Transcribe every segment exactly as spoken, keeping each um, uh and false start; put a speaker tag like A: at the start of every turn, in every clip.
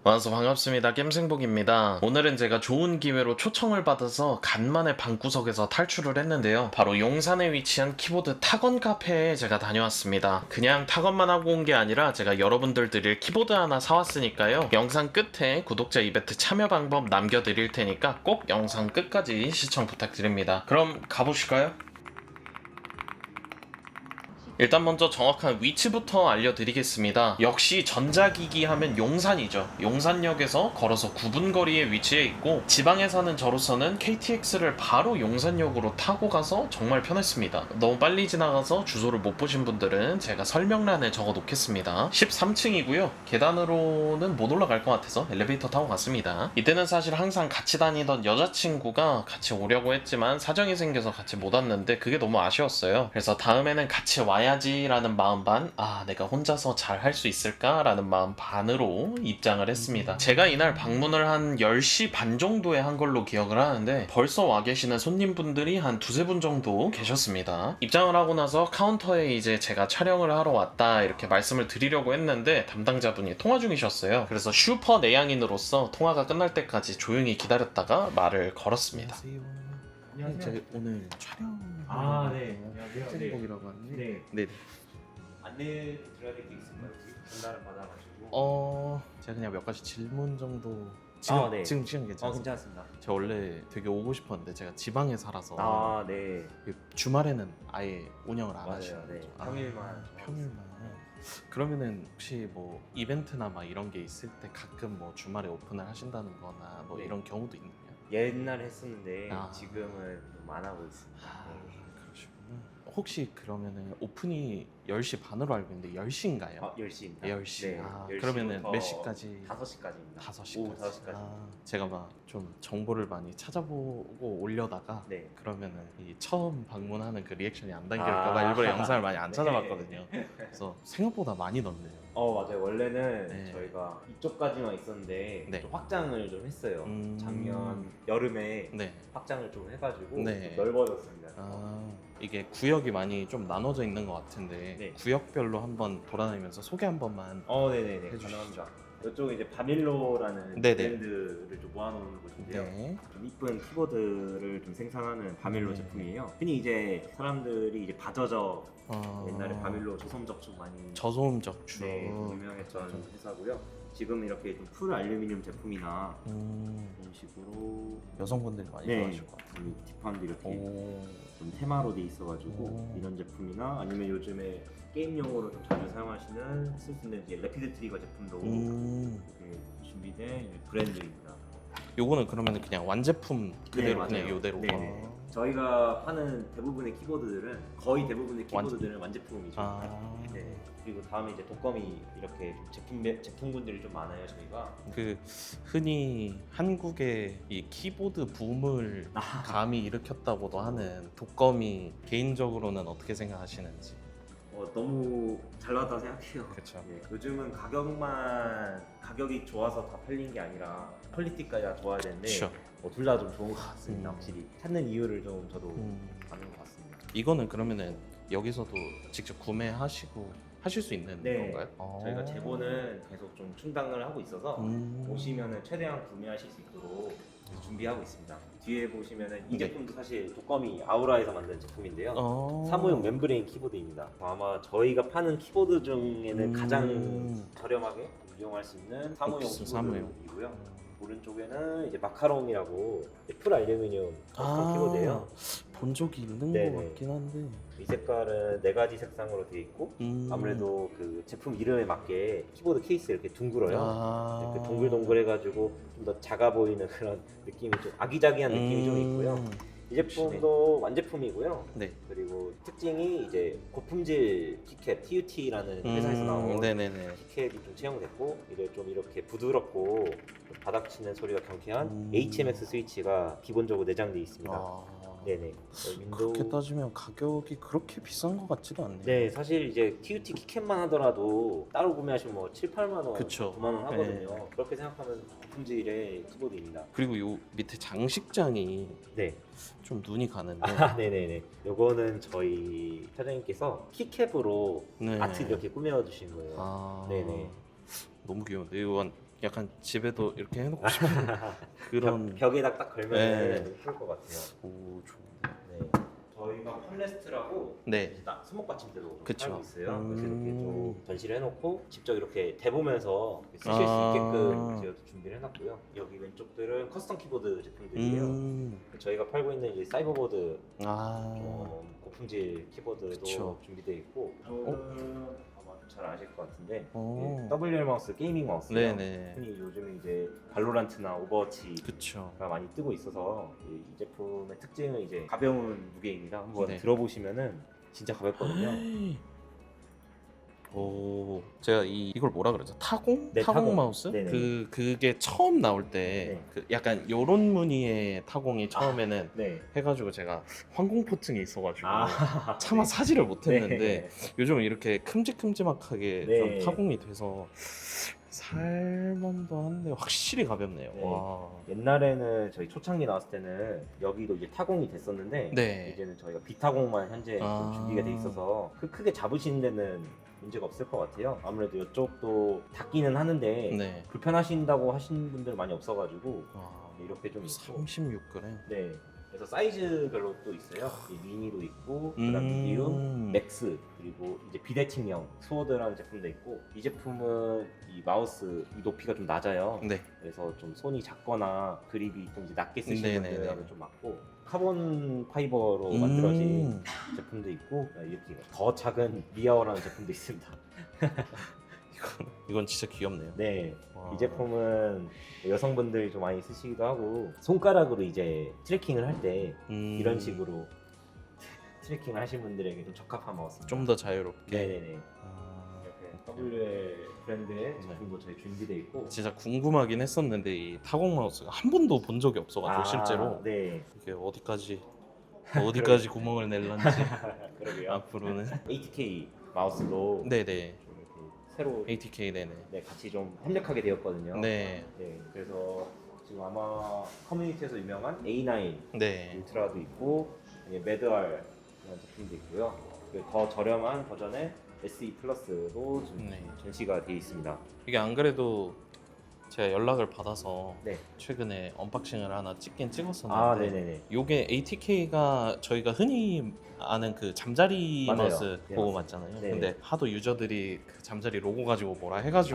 A: 와서 반갑습니다. 겜생복입니다. 오늘은 제가 좋은 기회로 초청을 받아서 간만에 방구석에서 탈출을 했는데요. 바로 용산에 위치한 키보드 타건 카페에 제가 다녀왔습니다. 그냥 타건만 하고 온 게 아니라 제가 여러분들 드릴 키보드 하나 사왔으니까요. 영상 끝에 구독자 이벤트 참여 방법 남겨드릴 테니까 꼭 영상 끝까지 시청 부탁드립니다. 그럼 가보실까요? 일단 먼저 정확한 위치부터 알려드리겠습니다. 역시 전자기기 하면 용산이죠. 용산역에서 걸어서 구 분 거리에 위치해 있고, 지방에 사는 저로서는 케이티엑스를 바로 용산역으로 타고 가서 정말 편했습니다. 너무 빨리 지나가서 주소를 못 보신 분들은 제가 설명란에 적어 놓겠습니다. 십삼 층이고요. 계단으로는 못 올라갈 것 같아서 엘리베이터 타고 갔습니다. 이때는 사실 항상 같이 다니던 여자친구가 같이 오려고 했지만 사정이 생겨서 같이 못 왔는데 그게 너무 아쉬웠어요. 그래서 다음에는 같이 와야 라는 마음 반, 아 내가 혼자서 잘 할 수 있을까? 라는 마음 반으로 입장을 했습니다. 제가 이날 방문을 한 열 시 반 정도에 한 걸로 기억을 하는데 벌써 와 계시는 손님분들이 한 두세 분 정도 계셨습니다. 입장을 하고 나서 카운터에 이제 제가 촬영을 하러 왔다 이렇게 말씀을 드리려고 했는데 담당자분이 통화 중이셨어요. 그래서 슈퍼 내향인으로서 통화가 끝날 때까지 조용히 기다렸다가 말을 걸었습니다.
B: 안녕하세요.
A: 제 오늘 촬영
B: 아, 네. 안녕하세요.
A: 겜생복이라고 하는데
B: 네.
A: 네.
B: 안내 드려야 될 게 있을까요? 혹시 전달을 받아가지고.
A: 어, 제가 그냥 몇 가지 질문 정도 지금
B: 아, 네.
A: 지금 시간
B: 어,
A: 괜찮습니다.
B: 괜찮습니다.
A: 제가 원래 되게 오고 싶었는데 제가 지방에 살아서
B: 아, 네.
A: 주말에는 아예 운영을 안
B: 맞아요.
A: 하시는
B: 네.
A: 거죠.
B: 평일만.
A: 아, 평일만. 그러면은 혹시 뭐 이벤트나 막 이런 게 있을 때 가끔 뭐 주말에 오픈을 하신다는 거나 뭐
B: 네.
A: 이런 경우도 있나요?
B: 옛날에 했었는데
A: 아.
B: 지금은 좀 안 하고 있습니다.
A: 아,
B: 네.
A: 그러시구나. 혹시 그러면은 오픈이 열 시 반으로 알고 있는데 열 시인가요?
B: 아, 열 시입니다.
A: 열 시.
B: 네.
A: 아,
B: 열
A: 그러면은
B: 시부터
A: 몇 시까지?
B: 다섯 시까지입니다.
A: 다섯 시까지.
B: 오후 다섯 시까지.
A: 아, 제가 막 좀 정보를 많이 찾아보고 올려다가
B: 네.
A: 그러면은 이 처음 방문하는 그 리액션이 안 담길까봐
B: 아.
A: 일부러 영상을 많이 안
B: 네.
A: 찾아봤거든요. 그래서 생각보다 많이 넣네요.
B: 어, 맞아요. 원래는
A: 네.
B: 저희가 이쪽까지만 있었는데
A: 네.
B: 좀 확장을 좀 했어요.
A: 음.
B: 작년 여름에
A: 네.
B: 확장을 좀 해가지고
A: 네.
B: 좀 넓어졌습니다.
A: 아, 이게 구역이 많이 좀 나눠져 있는 것 같은데
B: 네.
A: 구역별로 한번 돌아다니면서 소개 한 번만.
B: 어, 네네네.
A: 해주시죠.
B: 가능합니다. 이쪽은 이제 바밀로라는
A: 네네.
B: 브랜드를 좀 모아놓은 곳인데요.
A: 네.
B: 좀 이쁜 키보드를 좀 생산하는 바밀로
A: 네.
B: 제품이에요. 흔히 이제 사람들이 이제 바저저
A: 어...
B: 옛날에 바밀로 저소음 적축 많이
A: 저소음 적축.
B: 네, 유명했던
A: 맞아.
B: 회사고요. 지금 이렇게 좀 풀 알루미늄 제품이나
A: 음,
B: 이런 식으로
A: 여성분들이 많이
B: 네,
A: 좋아하실 것 같아요.
B: 이 뒷판도 이렇게
A: 오.
B: 좀 테마로 돼 있어가지고
A: 오.
B: 이런 제품이나 아니면 요즘에 게임용으로 좀 자주 사용하시는 쓸 수 있는 이제 레피드 트리거 제품도
A: 음.
B: 이렇게 준비된 브랜드입니다.
A: 요거는 그러면 그냥 완제품 그대로
B: 네,
A: 그냥
B: 맞아요.
A: 요대로.
B: 네네.
A: 아.
B: 저희가 파는 대부분의 키보드들은 거의 대부분의 키보드들은 완제품이죠.
A: 아.
B: 네. 그리고 다음에 이제 독거미 이렇게 좀 제품 제품군들이 좀 많아요 저희가.
A: 그 흔히 한국의 이 키보드 붐을
B: 아.
A: 감히 일으켰다고도 하는 독거미 개인적으로는 어떻게 생각하시는지.
B: 어, 너무 잘 나왔다고 생각해요.
A: 그렇죠.
B: 네, 요즘은 가격만 가격이 좋아서 다 팔린 게 아니라 퀄리티까지 다 좋아야 되는데
A: 그렇죠.
B: 어, 둘 다 좀 좋은 것 같습니다.
A: 음.
B: 확실히 찾는 이유를 좀 저도
A: 음.
B: 아는 것 같습니다.
A: 이거는 그러면은 여기서도 직접 구매하시고 하실 수 있는
B: 네.
A: 건가요?
B: 저희가
A: 아.
B: 재고는 계속 좀 충당을 하고 있어서
A: 음.
B: 오시면은 최대한 구매하실 수 있도록 준비하고 있습니다. 뒤에 보시면은 이
A: 네.
B: 제품도 사실 독거미 아우라에서 만든 제품인데요.
A: 어.
B: 사무용 멤브레인 키보드입니다. 아마 저희가 파는 키보드 중에는
A: 음.
B: 가장 저렴하게 이용할 수 있는 사무용
A: 옥스 사무용.
B: 키보드이고요. 오른쪽에는 이제 마카롱이라고 풀 알루미늄 커스텀 키보드예요.
A: 본 적이 있는
B: 네네.
A: 것 같긴 한데.
B: 이 색깔은 네 가지 색상으로 되어 있고
A: 음.
B: 아무래도 그 제품 이름에 맞게 키보드 케이스 이렇게 둥글어요.
A: 아.
B: 이렇게 동글동글해가지고 좀 더 작아 보이는 그런 느낌이 좀 아기자기한 느낌이 좀 있고요.
A: 음.
B: 이 제품도 완제품이고요.
A: 네.
B: 그리고 특징이 이제 고품질 키캡 티유티라는 회사에서
A: 음,
B: 나온
A: 네네네.
B: 키캡이 좀 채용됐고 이게 좀 이렇게 부드럽고 좀 바닥 치는 소리가 경쾌한
A: 음.
B: 에이치엠엑스 스위치가 기본적으로 내장되어 있습니다.
A: 아.
B: 네네. 윈도우...
A: 그렇게 따지면 가격이 그렇게 비싼 것 같지도 않네요.
B: 네, 사실 이제 티유티 키캡만 하더라도 따로 구매하시면 뭐 칠, 팔만 원,
A: 그쵸.
B: 구만 원 하거든요.
A: 네.
B: 그렇게 생각하면 고품질의 키보드입니다.
A: 그리고 요 밑에 장식장이
B: 네.
A: 좀 눈이 가는데.
B: 아, 네네네. 요거는 저희 사장님께서 키캡으로
A: 네.
B: 아트 이렇게 꾸며주신 거예요.
A: 아.
B: 네네.
A: 너무 귀여운데 이건 약간 집에도 이렇게 해놓고 싶은 그런.
B: 벽, 벽에다 딱 걸면
A: 네.
B: 예쁠 것 같아요.
A: 오, 좋네.
B: 네. 저희가 팜레스트라고
A: 네.
B: 이제 딱 수목 받침대도
A: 그쵸.
B: 팔고 있어요.
A: 음.
B: 그래서 이렇게 좀 전시를 해놓고 직접 이렇게 대보면서 쓰실
A: 아.
B: 수 있게끔 제가 또 준비를 해놨고요. 여기 왼쪽들은 커스텀 키보드 제품들이에요.
A: 음.
B: 저희가 팔고 있는 이제 사이버보드
A: 아.
B: 좀 고품질 키보드도
A: 그쵸.
B: 준비되어 있고, 이거는 아마 잘 아실 것 같은데
A: 오.
B: 이게 더블유엘 마우스 게이밍 마우스예요.
A: 네네.
B: 흔히 요즘 이제 발로란트나 오버워치가
A: 그쵸.
B: 많이 뜨고 있어서 이, 이 제품의 특징은 이제 가벼운 무게입니다. 한번
A: 네.
B: 들어보시면은 진짜 가볍거든요.
A: 오, 제가 이 이걸 뭐라 그러죠? 타공?
B: 네,
A: 타공,
B: 타공.
A: 마우스?
B: 네네.
A: 그 그게 처음 나올 때
B: 네.
A: 그 약간 요런 무늬의 타공이 처음에는
B: 네.
A: 해가지고 제가 항공포증이 있어가지고
B: 아,
A: 차마 사지를 못했는데
B: 네.
A: 요즘 이렇게 큼직큼직하게
B: 네.
A: 좀 타공이 돼서 살만도 한데 확실히 가볍네요.
B: 네.
A: 와.
B: 옛날에는 저희 초창기 나왔을 때는 여기도 이제 타공이 됐었는데
A: 네.
B: 이제는 저희가 비타공만 현재 좀
A: 아.
B: 준비가 돼 있어서 크- 크게 잡으시는 데는 문제가 없을 것 같아요. 아무래도 이쪽도 닿기는 하는데
A: 네.
B: 불편하신다고 하시는 분들 많이 없어가지고
A: 와.
B: 이렇게 좀 있고.
A: 삼십육 그램.
B: 네. 그래서 사이즈별로 또 있어요. 이 미니도 있고,
A: 음.
B: 그다음 미디움, 맥스, 그리고 이제 비대칭형 스워드라는 제품도 있고, 이 제품은 이 마우스 이 높이가 좀 낮아요.
A: 네.
B: 그래서 좀 손이 작거나 그립이 좀 이제 낮게 쓰시는
A: 네네네.
B: 분들하고 좀 맞고, 카본 파이버로
A: 음.
B: 만들어진 제품도 있고, 이렇게 더 작은 리아어라는 제품도 있습니다.
A: 이건 이건 진짜 귀엽네요.
B: 네.
A: 와.
B: 이 제품은 여성분들이 좀 많이 쓰시기도 하고, 손가락으로 이제 트래킹을 할 때
A: 음.
B: 이런 식으로 트래킹을 하신 분들에게 좀 적합한 마우스입니다.
A: 좀 더 자유롭게.
B: 네네네.
A: 아,
B: 이렇게 더블유엘 브랜드의 제품도 저희 준비되어 있고.
A: 진짜 궁금하긴 했었는데 이 타공 마우스가 한 번도 본 적이 없어가지고 실제로
B: 네.
A: 이게 어디까지 어디까지 구멍을 낼런지
B: 그러게요.
A: 앞으로는.
B: 에이티케이 마우스도
A: 네네.
B: 좀 이렇게 새로
A: 에이티케이 네네.
B: 네, 같이 좀 협력하게 되었거든요.
A: 네.
B: 네, 그래서 지금 아마 커뮤니티에서 유명한 에이 나인
A: 네.
B: 울트라도 있고, 매드알 이런 제품도 있고요. 그리고 더 저렴한 버전의 에스이 플러스도 지금
A: 네.
B: 전시가 되어 있습니다.
A: 이게 안 그래도 제가 연락을 받아서
B: 네.
A: 최근에 언박싱을 하나 찍긴 찍었었는데
B: 아, 네네네.
A: 요게 에이티케이가 저희가 흔히 아는 그 잠자리
B: 맞아요.
A: 마우스
B: 네,
A: 그거
B: 맞습니다.
A: 맞잖아요.
B: 네.
A: 근데 하도 유저들이 그 잠자리 로고 가지고 뭐라 해가지고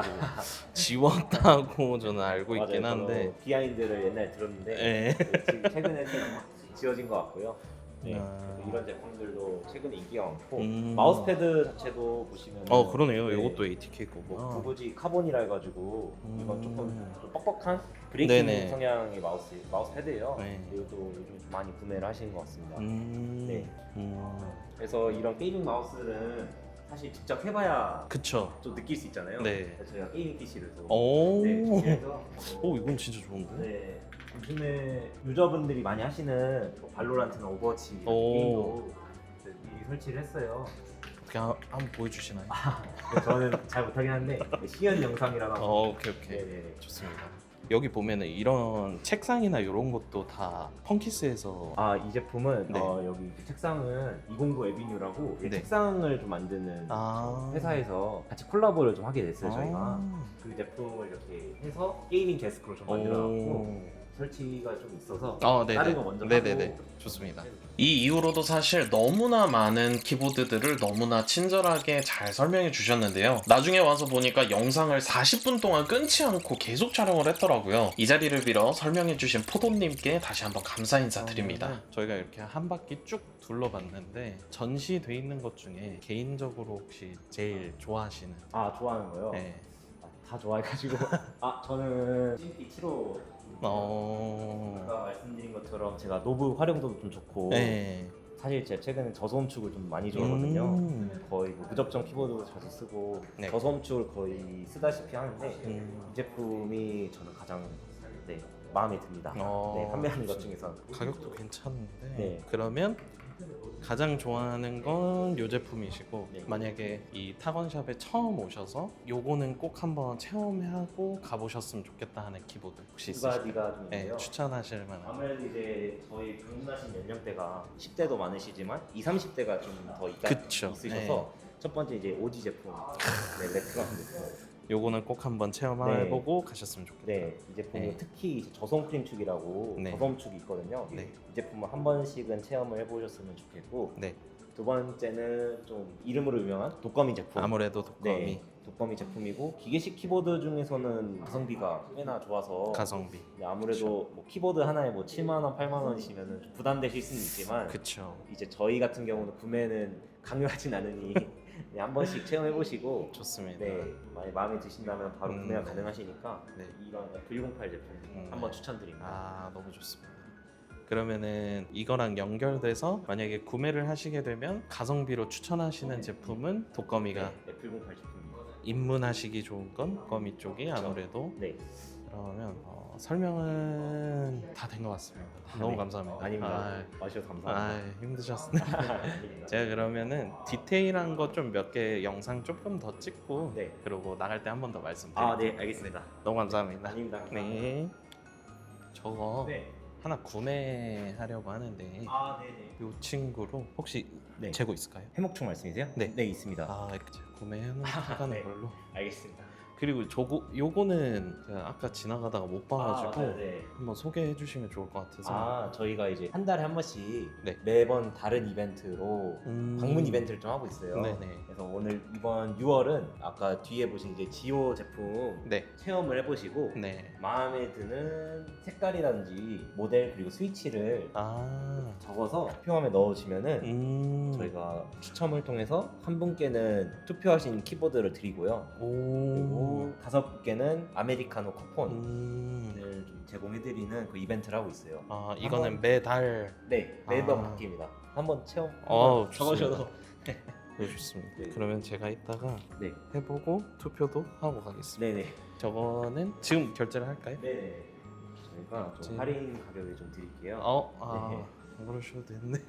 A: 지웠다고 저는 알고 있긴
B: 맞아요.
A: 한데.
B: 저도 비하인드를 옛날에 들었는데
A: 네.
B: 지금 최근에 좀 지워진 것 같고요. 네.
A: 아.
B: 이런 제품들도 최근에 인기가 많고,
A: 음.
B: 마우스패드 자체도 보시면
A: 어 그러네요.
B: 네.
A: 이것도 에이티케이 거고.
B: 뭐 구부지 카본이라 해가지고
A: 음.
B: 이건 조금 좀 뻑뻑한 브레이킹
A: 네네.
B: 성향의 마우스 마우스 패드예요.
A: 네.
B: 이것도 요즘 좀 많이 구매를 하시는 것 같습니다.
A: 음.
B: 네.
A: 음.
B: 그래서 이런 게이밍 마우스는 사실 직접 해봐야
A: 그쵸.
B: 좀 느낄 수 있잖아요.
A: 네.
B: 그래서 저희가 게이밍 피시를 또
A: 오.
B: 네, 준비해서
A: 오 이건 진짜 좋은데.
B: 네. 요즘에 유저분들이 많이 하시는 뭐 발로란트나 오버워치 이런
A: 오.
B: 게임도 미리 설치를 했어요.
A: 그냥 한번 보여주시나요?
B: 그래서 저는 잘 못하긴 한데 시연 영상이라고.
A: 어 오케이 오케이.
B: 네네.
A: 좋습니다. 여기 보면은 이런 책상이나 이런 것도 다 펑키스에서.
B: 아, 이 제품은
A: 네.
B: 어, 여기 책상은 이공구 에비뉴라고 이
A: 네.
B: 책상을 좀 만드는
A: 아.
B: 회사에서 같이 콜라보를 좀 하게 됐어요. 저희가
A: 아.
B: 그 제품을 이렇게 해서 게이밍 데스크로 좀 만들어놨고,
A: 오.
B: 설치가 좀 있어서
A: 아, 네네.
B: 다른 거 먼저
A: 네네네.
B: 하고.
A: 좋습니다. 이 이후로도 사실 너무나 많은 키보드들을 너무나 친절하게 잘 설명해 주셨는데요. 나중에 와서 보니까 영상을 사십 분 동안 끊지 않고 계속 촬영을 했더라고요. 이 자리를 빌어 설명해 주신 포도님께 다시 한번 감사 인사드립니다. 저희가 이렇게 한 바퀴 쭉 둘러봤는데 전시돼 있는 것 중에 개인적으로 혹시 제일 좋아하시는?
B: 아, 좋아하는 거요?
A: 네.
B: 아, 다 좋아해가지고 아, 저는 씨엠피 칠십오
A: 어.
B: 아까 말씀드린 것처럼 제가 노브 활용도도 좀 좋고,
A: 네.
B: 사실 제가 최근에 저소음축을 좀 많이 좋아하거든요.
A: 음.
B: 거의 뭐 무접점 키보드도 자주 쓰고
A: 네.
B: 저소음축을 거의 쓰다시피 하는데
A: 음.
B: 이 제품이 저는 가장 네, 마음에 듭니다.
A: 어.
B: 네, 판매하는 것 중에서.
A: 가격도 괜찮은데.
B: 네.
A: 그러면 가장 좋아하는 건 이 제품이시고,
B: 네.
A: 만약에 이 타건샵에 처음 오셔서 요거는 꼭 한번 체험하고 가보셨으면 좋겠다 하는 키보드 혹시
B: 두
A: 있으실까요?
B: 가지가 좀
A: 네,
B: 있는데요.
A: 추천하실 만한.
B: 아무래도 이제 저희 방문하신 연령대가 십 대도 많으시지만 이십, 삼십 대가 좀 더
A: 그쵸.
B: 있으셔서 첫 번째 이제 오지 제품, 네, 레트로한 제품
A: 요거는 꼭 한번 체험해보고 가셨으면 좋겠다.
B: 네, 이 제품은
A: 네.
B: 특히 이제 저솜 크림축이라고
A: 네.
B: 저솜축이 있거든요.
A: 네.
B: 이 제품은 한 번씩은 체험을 해보셨으면 좋겠고,
A: 네.
B: 두 번째는 좀 이름으로 유명한 독거미 제품.
A: 아무래도 독거미.
B: 네, 독거미 제품이고 기계식 키보드 중에서는 가성비가 꽤나 좋아서
A: 가성비.
B: 네, 아무래도 뭐 키보드 하나에 뭐 칠만 원, 팔만 원이시면 좀 부담되실 수는 있지만
A: 그쵸.
B: 이제 저희 같은 경우는 구매는 강요하진 않으니 네, 한 번씩 체험해 보시고
A: 좋습니다.
B: 네, 많이 마음에 드신다면 바로
A: 음,
B: 구매가
A: 네.
B: 가능하시니까
A: 네.
B: 이런 에프 백팔 제품
A: 음,
B: 한번
A: 네.
B: 추천드립니다.
A: 아, 너무 좋습니다. 그러면은 이거랑 연결돼서 만약에 구매를 하시게 되면 가성비로 추천하시는 제품은 독거미가,
B: 네, 에프 백팔 제품입니다.
A: 입문하시기 좋은 건 독거미 쪽이 아무래도.
B: 네,
A: 그러면 어, 설명은 다 된 것 같습니다.
B: 아,
A: 너무
B: 네.
A: 감사합니다.
B: 아닙니다.
A: 아,
B: 와주셔서
A: 아,
B: 감사합니다.
A: 힘드셨습니다.
B: 아닙니다.
A: 제가 그러면은 디테일한 거 좀 몇 개 영상 조금 더 찍고
B: 네.
A: 그리고 나갈 때 한 번 더 말씀드릴게요.
B: 아, 네, 알겠습니다.
A: 너무 감사합니다.
B: 아닙니다.
A: 네. 저거
B: 네.
A: 하나 구매하려고 하는데
B: 아, 네, 네.
A: 이 친구로 혹시
B: 네.
A: 재고 있을까요?
B: 해목충 말씀이세요?
A: 네.
B: 네, 있습니다.
A: 아, 이렇게 제가 구매해놓은 하는
B: 네.
A: 걸로.
B: 알겠습니다.
A: 그리고 저거 요거는 제가 아까 지나가다가 못 봐가지고
B: 아, 네.
A: 한번 소개해 주시면 좋을 것 같아서.
B: 아, 저희가 이제 한 달에 한 번씩
A: 네.
B: 매번 다른 이벤트로
A: 음...
B: 방문 이벤트를 좀 하고 있어요.
A: 네네.
B: 그래서 오늘 이번 유월은 아까 뒤에 보신 이제 지오 제품
A: 네.
B: 체험을 해보시고
A: 네.
B: 마음에 드는 색깔이라든지 모델 그리고 스위치를
A: 아.
B: 적어서 투표함에 넣어주면은
A: 음.
B: 저희가 추첨을 통해서 한 분께는 투표하신 키보드를 드리고요.
A: 오.
B: 그리고 다섯 분께는 아메리카노 쿠폰을
A: 음.
B: 좀 제공해드리는 그 이벤트를 하고 있어요.
A: 아, 이거는
B: 한번-
A: 매달.
B: 네, 매번
A: 아.
B: 바뀝니다. 한번 체험
A: 어,
B: 한번 적으셔도
A: 네, 좋습니다.
B: 네.
A: 그러면 제가 이따가
B: 네,
A: 해보고 투표도 하고 가겠습니다.
B: 네, 네,
A: 저거는 지금 결제를 할까요?
B: 네, 네. 저희가 좀
A: 제-
B: 할인 가격을 좀 드릴게요.
A: 어, 아,
B: 네.
A: 안 그러셔도 됐네.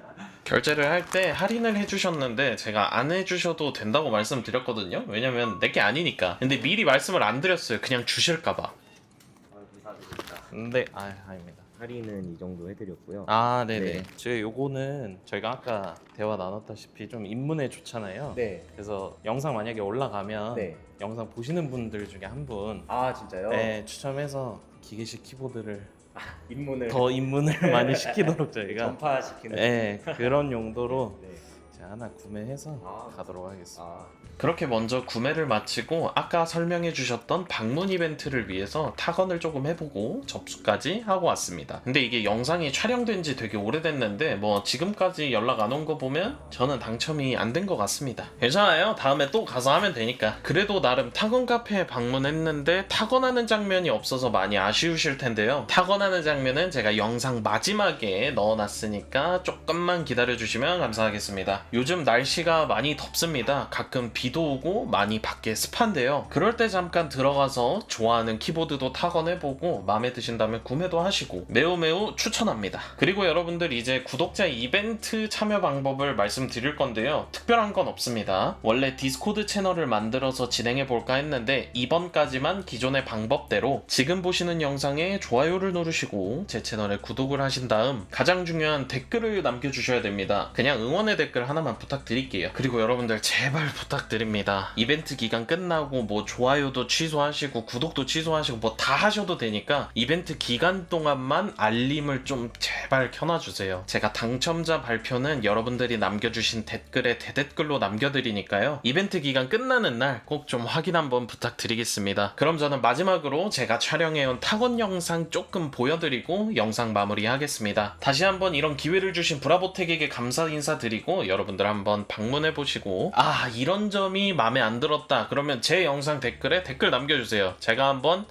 A: 결제를 할 때 할인을 해주셨는데 제가 안 해주셔도 된다고 말씀드렸거든요. 왜냐면 내게 아니니까. 근데 미리 말씀을 안 드렸어요. 그냥 주실까봐.
B: 아, 감사드립니다.
A: 근데 아, 아닙니다.
B: 할인은 이 정도 해드렸고요.
A: 아, 네네.
B: 네.
A: 제가 요거는 저희가 아까 대화 나눴다시피 좀 입문에 좋잖아요.
B: 네,
A: 그래서 영상 만약에 올라가면
B: 네.
A: 영상 보시는 분들 중에 한 분
B: 아, 진짜요?
A: 네, 추첨해서 기계식 키보드를
B: 입문을
A: 더 입문을 많이 시키도록 저희가
B: 전파시키는.
A: 네, 그런 용도로
B: 네.
A: 제가 하나 구매해서
B: 아.
A: 가도록 하겠습니다.
B: 아,
A: 그렇게 먼저 구매를 마치고 아까 설명해 주셨던 방문 이벤트를 위해서 타건을 조금 해보고 접수까지 하고 왔습니다. 근데 이게 영상이 촬영된 지 되게 오래됐는데 뭐 지금까지 연락 안 온 거 보면 저는 당첨이 안 된 것 같습니다. 괜찮아요. 다음에 또 가서 하면 되니까. 그래도 나름 타건 카페에 방문했는데 타건하는 장면이 없어서 많이 아쉬우실 텐데요. 타건하는 장면은 제가 영상 마지막에 넣어놨으니까 조금만 기다려주시면 감사하겠습니다. 요즘 날씨가 많이 덥습니다. 가끔 비도 오고 많이 밖에 습한데요. 그럴 때 잠깐 들어가서 좋아하는 키보드도 타건해보고 마음에 드신다면 구매도 하시고 매우 매우 추천합니다. 그리고 여러분들 이제 구독자 이벤트 참여 방법을 말씀드릴 건데요. 특별한 건 없습니다. 원래 디스코드 채널을 만들어서 진행해볼까 했는데 이번까지만 기존의 방법대로 지금 보시는 영상에 좋아요를 누르시고 제 채널에 구독을 하신 다음 가장 중요한 댓글을 남겨주셔야 됩니다. 그냥 응원의 댓글 하나만 부탁드릴게요. 그리고 여러분들 제발 부탁드립니다. 이벤트 기간 끝나고 뭐 좋아요도 취소하시고 구독도 취소하시고 뭐 다 하셔도 되니까 이벤트 기간 동안만 알림을 좀 제발 켜놔주세요. 제가 당첨자 발표는 여러분들이 남겨주신 댓글에 대댓글로 남겨드리니까요. 이벤트 기간 끝나는 날 꼭 좀 확인 한번 부탁드리겠습니다. 그럼 저는 마지막으로 제가 촬영해온 타건 영상 조금 보여드리고 영상 마무리하겠습니다. 다시 한번 이런 기회를 주신 브라보텍에게 감사 인사드리고 여러분들 한번 방문해보시고 아 이런 점이 마음에 안 들었다 그러면 제 영상 댓글에 댓글 남겨주세요. 제가 한번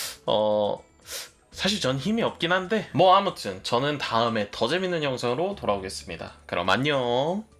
A: 어... 사실 전 힘이 없긴 한데 뭐 아무튼 저는 다음에 더 재밌는 영상으로 돌아오겠습니다. 그럼 안녕.